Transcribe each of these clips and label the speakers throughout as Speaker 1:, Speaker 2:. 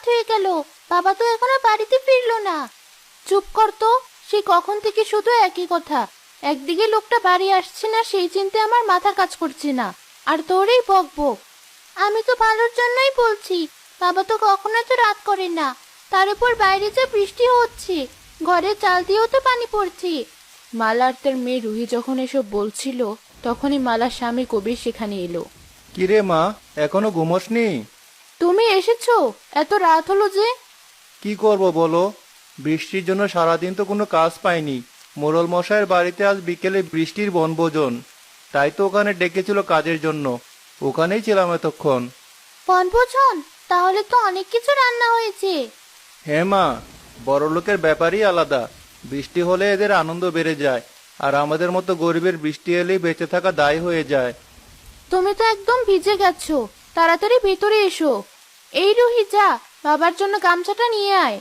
Speaker 1: হয়ে গেল, বাবা তো এখনো বাড়িতে ফিরলো না। চুপ কর তো, সে কখন থেকে শুধু একই কথা। একদিকে লোকটা বাড়ি আসছে না সেই চিন্তায় আমার মাথা কাজ করছে না, আর তোরই বক বক। আমি তো ভালোর জন্যই বলছি, বাবা তো কখনো এত রাত করে না। তার উপর বাইরে যা বৃষ্টি হচ্ছে, ঘরে চাল দিয়েও তো পানি পড়ছে। মালা আর তার মেয়ে রুহি যখন এসব বলছিল, তখনই মালার স্বামী কবির সেখানে এলো।
Speaker 2: কিরে মা, এখনো ঘুমোসনি?
Speaker 1: তুমি এসেছো? এত রাত হলো যে?
Speaker 2: কি করব বলো, বৃষ্টির জন্য সারাদিন তো কোনো কাজ পাইনি। মোড়ল মশাইয়ের বাড়িতে আজ বিকেলে বৃষ্টির বনভোজন, তাই তো ওখানে ডেকেছিল কাজের জন্য। ওখানেই ছিলাম এতক্ষণ।
Speaker 1: বনভোজন? তাহলে তো অনেক কিছু রান্না হয়েছে।
Speaker 2: হ্যাঁ মা, বড়লোকের ব্যাপারই আলাদা। বৃষ্টি হলে এদের আনন্দ বেড়ে যায়, আর আমাদের মতো গরিবের বৃষ্টি এলেই বেঁচে থাকা দায় হয়ে যায়।
Speaker 1: তুমি তো একদম ভিজে গেছো, তাড়াতাড়ি ভেতরে এসো। এই রুহি, যা বাবার জন্য গামছাটা নিয়ে আয়।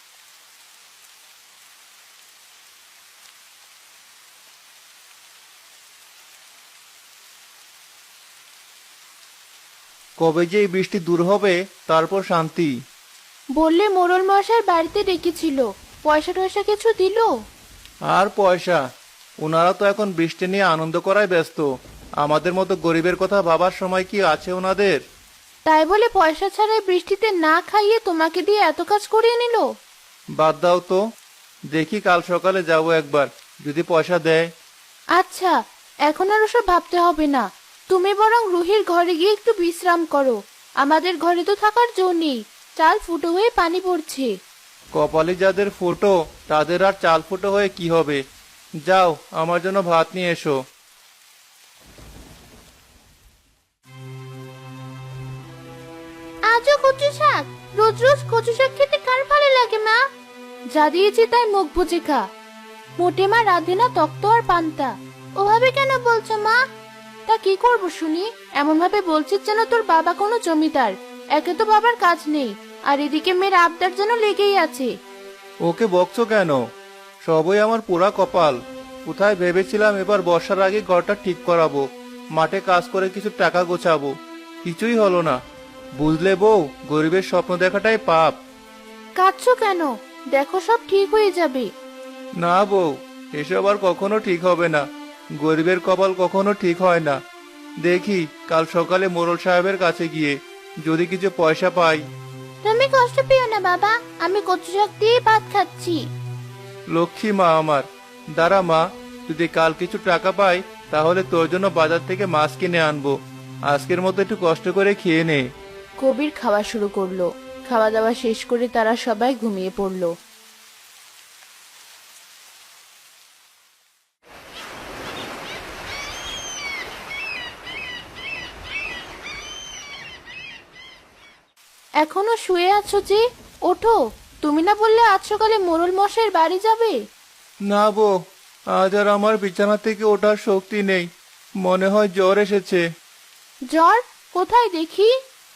Speaker 2: কবে যে এই বৃষ্টি দূর হবে, তারপর শান্তি।
Speaker 1: বললে মোড়ল মশাই বাড়িতে ডেকেছিল, পয়সা টয়সা কিছু দিলো?
Speaker 2: আর পয়সা? ওনারা তো এখন বৃষ্টি নিয়ে আনন্দ করায় ব্যস্ত। আমাদের মতো গরিবের কথা ভাবার সময় কি আছে ওনাদের?
Speaker 1: তাই বলে পয়সা ছাড়াই বৃষ্টিতে না খাইয়ে তোমাকে দিয়ে এত কাজ করিয়ে নিল?
Speaker 2: বাদ দাও তো, দেখি কাল সকালে যাব একবার, যদি পয়সা দেয়।
Speaker 1: আচ্ছা, এখন আর ওসব ভাবতে হবে না। তুমি বরং রুহির ঘরে গিয়ে একটু বিশ্রাম করো। আমাদের ঘরে তো থাকার জো নেই, চাল ফুটো হয়ে পানি পড়ছে।
Speaker 2: কপালে যাদের ফুটো, তাদের আর চাল ফুটো হয়ে কি হবে? যাও, আমার জন্য ভাত নিয়ে এসো।
Speaker 1: আজও কচু শাক? রোজ রোজ কচু শাক খেতে কার ভালো লাগে মা? যা দিয়েছি তাই মুখ বুজে খা। মোটে মা রাধে না তক্ত আর পান্তা। ওভাবে কেন বলছো মা? তা কি করব শুনি? এমন ভাবে বলছিস যেন তোর বাবা কোনো জমিদার। একে তো বাবার কাজ নেই, আর এদিকে মেয়ের আবদার যেন লেগেই আছে।
Speaker 2: ওকে বকছো কেন? সবই আমার পুরা কপাল। কোথায় ভেবেছিলাম এবার বর্ষার আগে ঘরটা ঠিক করাবো, মাঠে কাজ করে কিছু টাকা গোছাবো। কিছুই হলো না। বুঝলে বউ, গরিবের স্বপ্ন দেখাটাই পাপ।
Speaker 1: কাঁদছো কেন? দেখো সব ঠিক হয়ে যাবে।
Speaker 2: না বউ, এসব আর কখনো ঠিক হবে না। গরিবের কপাল কখনো ঠিক হয় না। দেখি কাল সকালে মোড়ল সাহেবের কাছে গিয়ে যদি কিছু পয়সা পাই।
Speaker 1: তুমি কষ্ট পেও না বাবা, আমি কচু শাক দিয়ে ভাত খাচ্ছি।
Speaker 2: লক্ষ্মী মা আমার। দাঁড়া মা, যদি কাল কিছু টাকা পাই তাহলে তোর জন্য বাজার থেকে মাছ কিনে আনবো। আজকের মতো একটু কষ্ট করে খেয়ে নে।
Speaker 1: কবির খাওয়া শুরু করলো। খাওয়া দাওয়া শেষ করে তারা সবাই ঘুমিয়ে পড়লো। এখনো শুয়ে আছো যে? ওঠো। তুমি না বললে আজ সকালে মোড়ল মশাইয়ের বাড়ি যাবে?
Speaker 2: না বউ, আজ আর আমার বিছানা থেকে ওঠার শক্তি নেই। মনে হয় জ্বর এসেছে।
Speaker 1: জ্বর? কোথায় দেখি।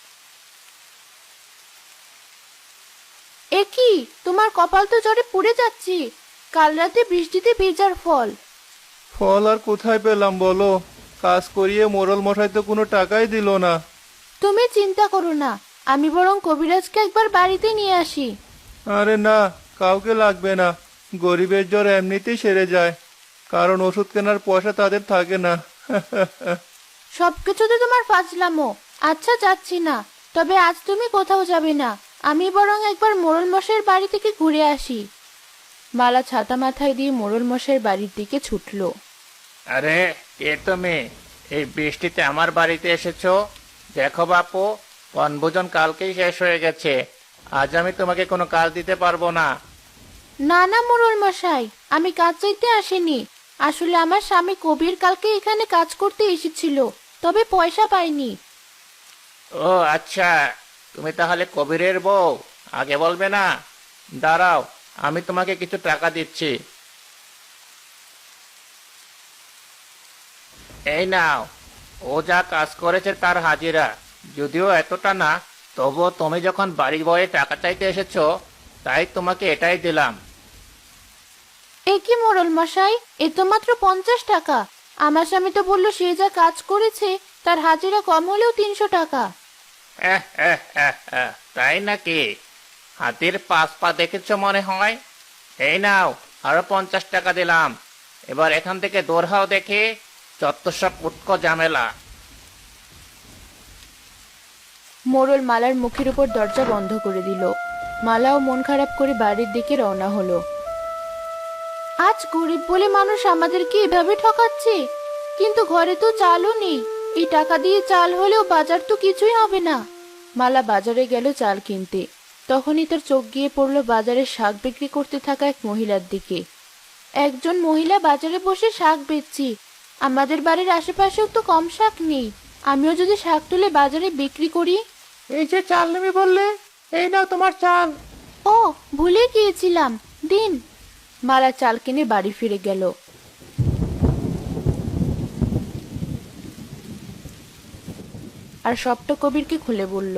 Speaker 1: এ কি, তোমার কপাল তো জ্বরে পুড়ে যাচ্ছি। কাল রাতে বৃষ্টিতে ভেজার ফল।
Speaker 2: ফল আর কোথায় পেলাম বলো? কাজ করিয়ে মোড়ল মশাই তো কোনো টাকাই দিল না।
Speaker 1: তুমি চিন্তা করো না, আমি বরং কবিরাজকে একবার বাড়িতে নিয়ে আসি।
Speaker 2: আরে না, কাউকে লাগবে না। গরিবের জ্বর এমনিতেই সেরে যায়, কারণ ওষুধ কেনার পয়সা তাদের থাকে না।
Speaker 1: সবকিছুতে তোমার ফাজলামো। আচ্ছা, যাচ্ছি না। তবে আজ তুমি কোথাও যাবে না, আমি বরং একবার মোড়ল মশাইয়ের বাড়ি থেকে ঘুরে আসি। মালা ছাতা মাথায় দিয়ে মোড়ল মশাইয়ের বাড়ির দিকে ছুটলো।
Speaker 3: আরে, কে তুমি? এই বৃষ্টিতে আমার বাড়িতে এসেছো? দেখো বাপু, বনভোজন কালকেই শেষ হয়ে গেছে। আজ আমি তোমাকে কোনো কাজ দিতে পারবো না।
Speaker 1: না না মোড়ল মশাই, আমি কাজ চাইতে আসিনি। আসলে আমার স্বামী কবির কালকে এখানে কাজ করতে এসেছিল, তবে পয়সা পাইনি।
Speaker 3: ও আচ্ছা, তুমি তাহলে কবিরের বউ? আগে বলবে না? দাঁড়াও, আমি তোমাকে কিছু টাকা দিচ্ছি। এই নাও, ও যা কাজ করেছে তার হাজিরা। যদিও এতটা না, তবুও তুমি যখন বাড়ি বয়ে টাকা চাইতে এসেছো, তাই তোমাকে এটাই দিলাম।
Speaker 1: এ কি মোড়ল মশাই, এ তো মাত্র 50 টাকা। আমার স্বামী তো বললো সে যা কাজ করেছে তার হাজিরা কম হলেও 300 টাকা।
Speaker 3: তাই নাকি? হাতির 5 পা দেখেছো মনে হয়। এই নাও, আরো 50 টাকা দিলাম। এবার এখান থেকে দূর হও দেখে, যত সব উটকো ঝামেলা।
Speaker 1: মোড়ল মালার মুখের উপর দরজা বন্ধ করে দিল। মালাও মন খারাপ করে বাড়ির দিকে রওনা হলো। আজ গরিব বলে মানুষ আমাদেরকে এভাবে ঠকাচ্ছে, কিন্তু ঘরে তো চালও নেই। এই টাকা দিয়ে চাল হলেও বাজার তো কিছুই হবে না। মালা বাজারে গেল চাল কিনতে। তখনই তার চোখ গিয়ে পড়ল বাজারে শাক বিক্রি করতে থাকা এক মহিলার দিকে। একজন মহিলা বাজারে বসে শাক বেচছি। আমাদের বাড়ির আশেপাশেও তো কম শাক নেই। আমিও যদি শাক তুলে বাজারে বিক্রি করি।
Speaker 2: এই যে চাল নেবে বললে, এই নাও তোমার চাল।
Speaker 1: ও, ভুলে গিয়েছিলাম, দিন। মালা চাল কিনে বাড়ি ফিরে গেল। আর সবটা কবিরকে খুলে বলল।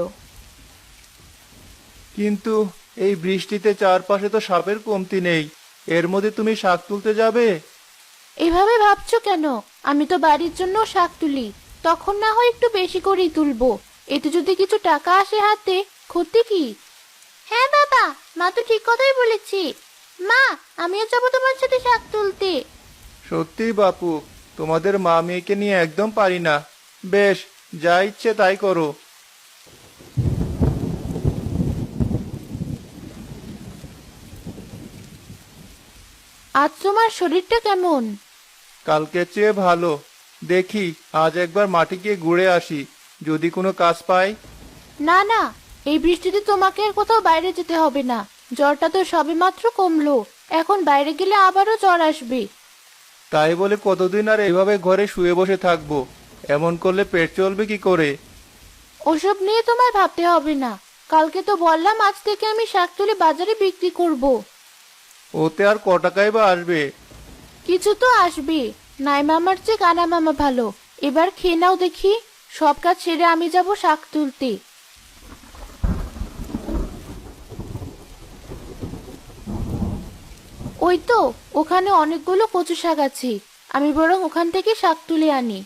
Speaker 2: কিন্তু এই বৃষ্টিতে চারপাশে তো সাপের কমতি নেই, এর মধ্যে তুমি শাক তুলতে যাবে?
Speaker 1: এভাবে ভাবছো কেন? আমি তো বাড়ির জন্য শাক তুলি, তখন না হয় একটু বেশি করেই তুলবো। এতে যদি কিছু টাকা আসে হাতে, ক্ষতি কি? হ্যাঁ বাবা, মা তো ঠিক কথাই বলেছি। মা, আমিও যাবো তোমার সাথে শাক তুলতে।
Speaker 2: সত্যি বাপু, তোমাদের মা মেয়েকে নিয়ে একদম পারি না। বেশ, যা ইচ্ছে তাই করো।
Speaker 1: আজ তোমার শরীরটা কেমন?
Speaker 2: কালকের চেয়ে ভালো। দেখি আজ একবার মাটি গিয়ে ঘুরে আসি, যদি কোনো কাজ পাই।
Speaker 1: না না, এই বৃষ্টিতে তোমাকে আর কোথাও বাইরে যেতে হবে না। জ্বরটা তো সবেমাত্র কমলো, এখন বাইরে গেলে আবারও জ্বর আসবে।
Speaker 2: তাই বলে কতদিন আর এভাবে ঘরে শুয়ে বসে থাকবো? এমন করলে পেট চলবে কি করে?
Speaker 1: ওসব নিয়ে তোমায় ভাবতে হবে না। কালকে তো বললাম আজ থেকে আমি শাক তুলে বাজারে বিক্রি করব।
Speaker 2: ওতে আর ক টাকাই বা আসবে?
Speaker 1: কিছু তো আসবে। নাই মামার চেয়ে কানা মামা ভালো। এবার খেয়ে নাও দেখি। সব কাজ ছেড়ে আমি যাব শাক তুলতে। ওই তো, ওখানে অনেকগুলো কচু শাক আছে। আমি বরং ওখান থেকে শাক তুলে আনি।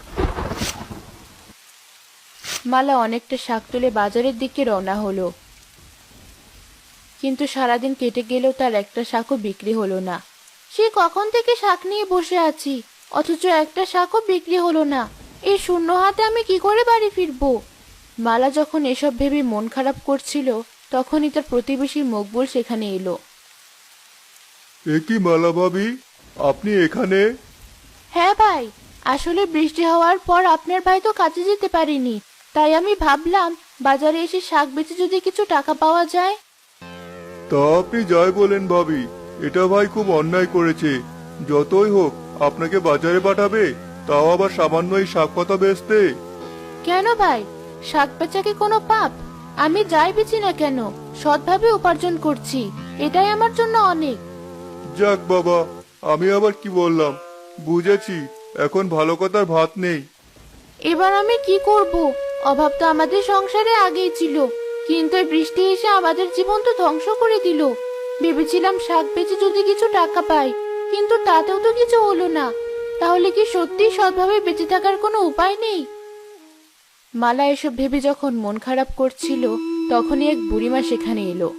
Speaker 1: মালা অনেকটা শাক তুলে বাজারের দিকে রওনা হলো। কিন্তু সারাদিন কেটে গেলেও তার একটা শাকও বিক্রি হলো না। সে কখন থেকে শাক নিয়ে বসে আছি, অথচ একটা শাকও বিক্রি হলো না। এই শূন্য হাতে আমি কি করে বাড়ি ফিরবো? মালা যখন এসব ভেবে মন খারাপ করছিল, তখনই তার প্রতিবেশী মকবুল সেখানে এলো।
Speaker 2: এ কি মালা ভাবি, আপনি এখানে?
Speaker 1: হ্যাঁ ভাই, আসলে বৃষ্টি হওয়ার পর আপনার ভাই তো কাজে যেতে পারেনি, তাই আমি ভাবলাম বাজারে এসে শাক বেচে যদি কিছু টাকা পাওয়া যায়।
Speaker 2: তা আপনি যাই বলেন ভাবি, এটা ভাই খুব অন্যায় করেছে। যতই হোক আপনাকে বাজারে পাঠাবে, তাও আবার সামান্য এই শাক পাতা বেচতে।
Speaker 1: কেন ভাই, শাক বেচা কি কোনো পাপ? আমি যাই বেচি না কেন, সৎভাবে উপার্জন করছি, এটাই আমার জন্য অনেক।
Speaker 2: যাক বাবা, আমি আবার কি বললাম, বুঝেছি। এখন ভালো কথার ভাত নেই।
Speaker 1: এবার আমি কি করব? অভাব তো আমাদের সংসারে আগেই ছিল, কিন্তু এই বৃষ্টি এসে আমাদের জীবন তো ধ্বংস করে দিল। ভেবেছিলাম শাক বেচে যদি কিছু টাকা পাই, কিন্তু তাতেও তো কিছু হলো না। তাহলে কি সত্যি সৎভাবে বেঁচে থাকার কোনো উপায় নেই? মালা এসব ভেবে যখন মন খারাপ করছিল, তখনই এক বুড়িমা সেখানে এলো।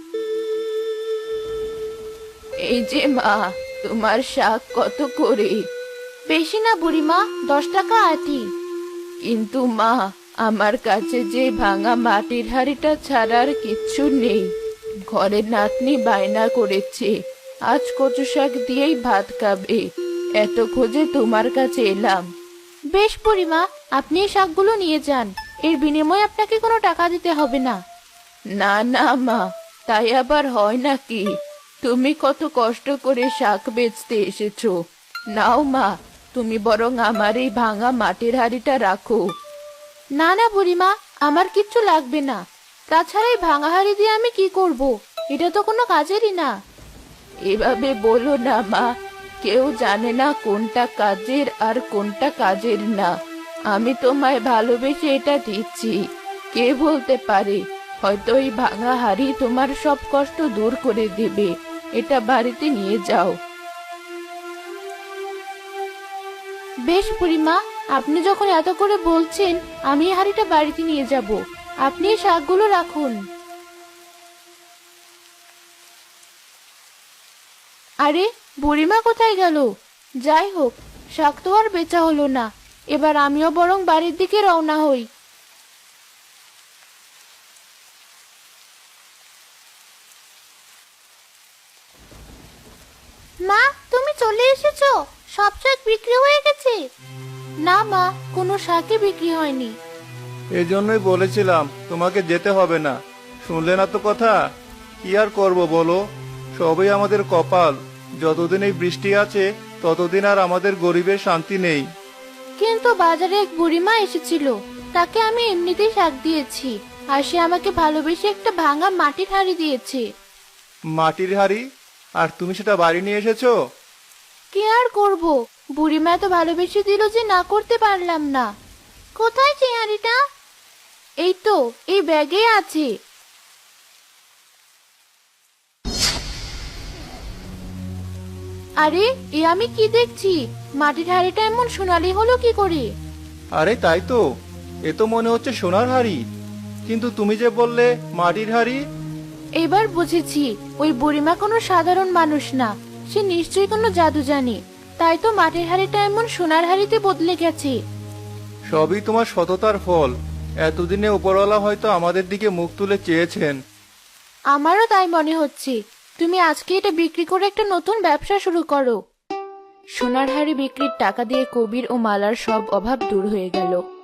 Speaker 1: এই যে মা, তোমার শাক কত করে? বেশি না বুড়িমা, 10 টাকা আটি। কিন্তু মা, আমার কাছে যে ভাঙা মাটির হাঁড়িটা ছাড়া আর কিচ্ছু নেই। ঘরের নাতনি বায়না করেছে আজ কচু শাক দিয়েই ভাত খাবে, এত খোঁজে তোমার কাছে এলাম। বেশ বুড়িমা, আপনি এই শাকগুলো নিয়ে যান, এর বিনিময়ে আপনাকে কোনো টাকা দিতে হবে না। না না মা, তাই আবার হয় নাকি? তুমি কত কষ্ট করে শাক বেচতে এসেছো। নাও মা, তুমি বরং আমার এই ভাঙা মাটির হাঁড়িটা রাখো। না না বুড়িমা, আমার কিচ্ছু লাগবে না। তাছাড়া এই ভাঙা হাঁড়ি দিয়ে আমি কি করব? এটা তো কোনো কাজেরই না। এভাবে বলো না মা, কেউ জানে না কোনটা কাজের আর কোনটা কাজের না। আমি তোমায় ভালোবেসে এটা দিচ্ছি, কে বলতে পারে হয়তো এই ভাঙা হাঁড়ি তোমার সব কষ্ট দূর করে দেবে। এটা বাড়িতে নিয়ে যাও। বেশ বুড়িমা, আপনি যখন এত করে বলছেন, আমি এই হাঁড়িটা বাড়িতে নিয়ে যাব। আপনি এই শাকগুলো রাখুন। আরে বুড়িমা কোথায় গেল? যাই হোক, শাক তো আর বেচা হলো না। এবার আমিও বরং বাড়ির দিকে রওনা হই। মা, তুমি চলে এসেছো? সব শাক বিক্রি হয়ে গেছে? না মা, কোনো শাকই বিক্রি হয়নি।
Speaker 2: এজন্যই বলেছিলাম তোমাকে যেতে হবে না, শুনলে না তো কথা। কি আর করব বলো, সবই আমাদের কপাল। যতদিন এই বৃষ্টি আছে ততদিন আর আমাদের গরিবের শান্তি নেই।
Speaker 1: কিন্তু বাজারে এক বুড়িমা এসেছিল, তাকে আমি এমনিতেই শাক দিয়েছি, আর সে আমাকে ভালোবেসে একটা ভাঙা মাটির হাঁড়ি দিয়েছে।
Speaker 2: মাটির হাড়ি? আর তুমি সেটা বাড়ি নিয়ে এসেছো?
Speaker 1: কি আর করব, বুড়িমা এত ভালোবেসে দিল যে না করতে পারলাম না। কোথায় সেই হাঁড়িটা? এই তো, এই ব্যাগে আছে। আরে, এ আমি কি দেখছি? মাটির হাঁড়িটা এমন সোনালি হলো কি করে?
Speaker 2: আরে তাই তো, এ তো মনে হচ্ছে সোনার হাড়ি। কিন্তু তুমি যে বললে মাটির হাড়ি।
Speaker 1: এবার বুঝেছি, ওই বুড়িমা কোনো সাধারণ মানুষ না, সে নিশ্চয়ই কোনো জাদু জানে। তাই তো মাটির হাঁড়িটা এমন সোনার হাঁড়িতে বদলে গেছে।
Speaker 2: সবই তোমার সততার ফল। এতদিনে উপরওয়ালা হয়তো আমাদের দিকে মুখ তুলে চেয়েছেন।
Speaker 1: আমারও তাই মনে হচ্ছে। তুমি আজকে এটা বিক্রি করে একটা নতুন ব্যবসা শুরু করো। সোনার হাঁড়ি বিক্রির টাকা দিয়ে কবির ও মালার সব অভাব দূর হয়ে গেল।